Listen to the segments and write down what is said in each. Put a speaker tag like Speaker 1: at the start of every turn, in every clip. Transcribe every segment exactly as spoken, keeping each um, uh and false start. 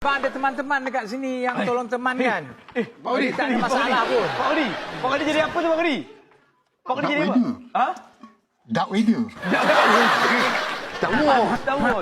Speaker 1: Abang ada teman-teman dekat sini yang tolong teman kan?
Speaker 2: Eh, Pak Odi,
Speaker 1: tak ada masalah pun.
Speaker 2: Pak Odi, Pak Odi jadi apa tu Pak Odi? Pak Odi
Speaker 3: Darth
Speaker 2: jadi apa?
Speaker 3: Vader.
Speaker 2: Ha?
Speaker 3: Dark Vader.
Speaker 2: Tak mau, tak mau.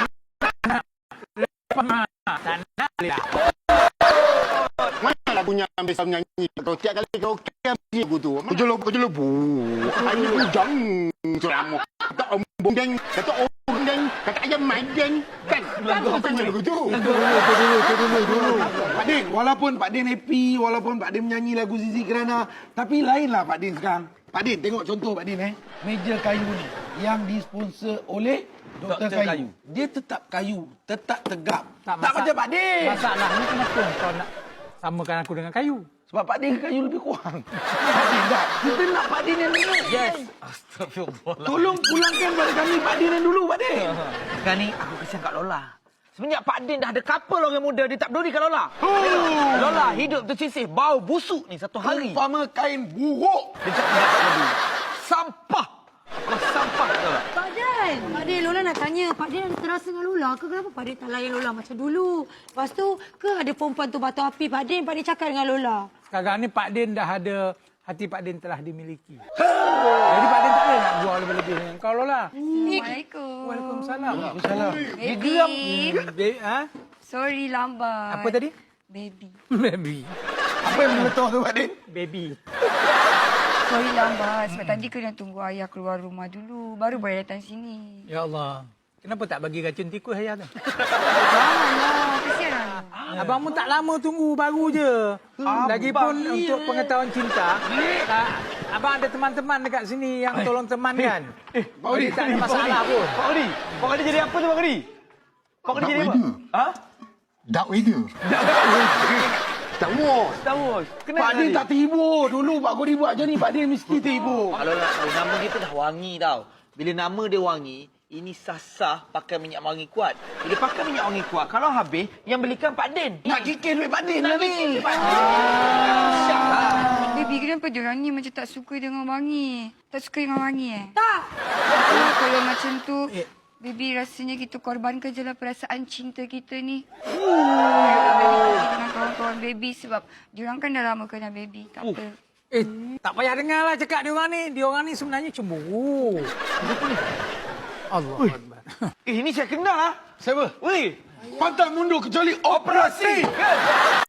Speaker 3: Mana lagunya biasa menyanyi? Kau tiap kali kau kaya lagu tu. Kejolok, kejolok. Bu. Hari hujan. Selama. Kata ombong deng. Kata ombong deng. Kata ayam main deng. Kan? Kan kau tanya lagu tu.
Speaker 2: Dulu, dulu, dulu, dulu.
Speaker 4: Pak Din, walaupun Pak Din happy, walaupun Pak Din menyanyi lagu Zizi Kirana, tapi lainlah Pak Din sekarang. Pak Din, tengok contoh Pak Din eh. Meja kayu ni yang disponsor oleh Doktor
Speaker 2: Doktor
Speaker 4: kayu.
Speaker 2: Kayu.
Speaker 4: Dia tetap kayu, tetap tegap. Tak,
Speaker 1: masa-
Speaker 4: macam Pak Din.
Speaker 1: Masalahnya kenapa kau nak samakan aku dengan kayu?
Speaker 4: Sebab Pak Din kayu lebih kurang. Pak Din tak. Kita nak Pak Din yang dulu.
Speaker 1: Yes.
Speaker 2: Astagfirullah.
Speaker 4: Tolong pulangkan pada kami Pak Din yang dulu Pak Din.
Speaker 2: Sekarang ni aku kesian kat Lola. Semenjak Pak Din dah ada couple orang muda, dia tak peduli kat Lola.
Speaker 4: Oh.
Speaker 2: Lola hidup tersisih, bau busuk ni satu hari.
Speaker 4: Umpama kain buruk.
Speaker 2: Dia cakap dia tak peduli. Sampah. Kau sampah tahu tak?
Speaker 5: Pak Din, Pak Din, Lola nak tanya. Pak Din ada terasa dengan Lola ke kenapa Pak Din tak layan Lola macam dulu? Lepas tu, ke ada perempuan tu batu api Pak Din, Pak Din cakap dengan Lola?
Speaker 1: Sekarang ni Pak Din dah ada, hati Pak Din telah dimiliki. Jadi Pak Din tak boleh nak buang lebih-lebih dengan kau Lola.
Speaker 5: Assalamualaikum.
Speaker 1: Waalaikumsalam.
Speaker 4: Waalaikumsalam.
Speaker 5: Baby.
Speaker 1: Be- ha?
Speaker 5: Sorry lambat.
Speaker 1: Apa tadi?
Speaker 5: Baby.
Speaker 1: Baby.
Speaker 4: Apa yang meletup tu Pak Din?
Speaker 1: Baby.
Speaker 5: Sorry lambat. Sebab tadi kena tunggu ayah keluar rumah dulu. Baru boleh datang sini.
Speaker 1: Ya Allah. Kenapa tak bagi racun tikus ayah tu?
Speaker 5: Janganlah. Kesian lah.
Speaker 1: Abang pun tak lama tunggu, baru je. Lagipun untuk pengetahuan cinta, tak, abang ada teman-teman dekat sini yang tolong teman kan?
Speaker 2: Eh,
Speaker 4: Pak Odi,
Speaker 1: tak ada
Speaker 4: Pak
Speaker 1: masalah
Speaker 4: Odi.
Speaker 1: pun.
Speaker 2: Pak Odi, Pak Odi jadi apa tu Pak Odi? Pak Odi
Speaker 3: Darth
Speaker 2: jadi apa?
Speaker 3: Vader.
Speaker 2: Ha?
Speaker 3: Dark Vader.
Speaker 4: Tak mau.
Speaker 2: Star Wars. Kenapa
Speaker 4: Pak Din tak terhibur. Dulu Pak Kodi buat je ni, Pak Din mesti terhibur.
Speaker 6: Kalau nak tahu, nama dia tu dah wangi tau. Bila nama dia wangi, ini sah-sah pakai minyak wangi kuat. Bila pakai minyak wangi kuat, kalau habis, yang belikan Pak Din.
Speaker 4: Nak kikir duit Pak Din lah ni.
Speaker 5: Baby, kenapa diorang ni macam tak suka dengan wangi? Tak suka dengan wangi eh? Tak. Oh, kalau macam tu,
Speaker 1: Eh.
Speaker 5: baby rasanya kita korbankan je lah perasaan cinta kita ni. Yalah, baby pergi dengan kawan-kawan baby sebab diorang kan dah lama kenal baby. Tak apa.
Speaker 1: Eh, tak payah dengar lah cakap dia orang ni. Dia orang ni sebenarnya cemburu. Allah Akbar.
Speaker 2: Eh, ini saya kenal lah.
Speaker 4: Siapa?
Speaker 2: Weh,
Speaker 4: Pantang mundur kecuali operasi.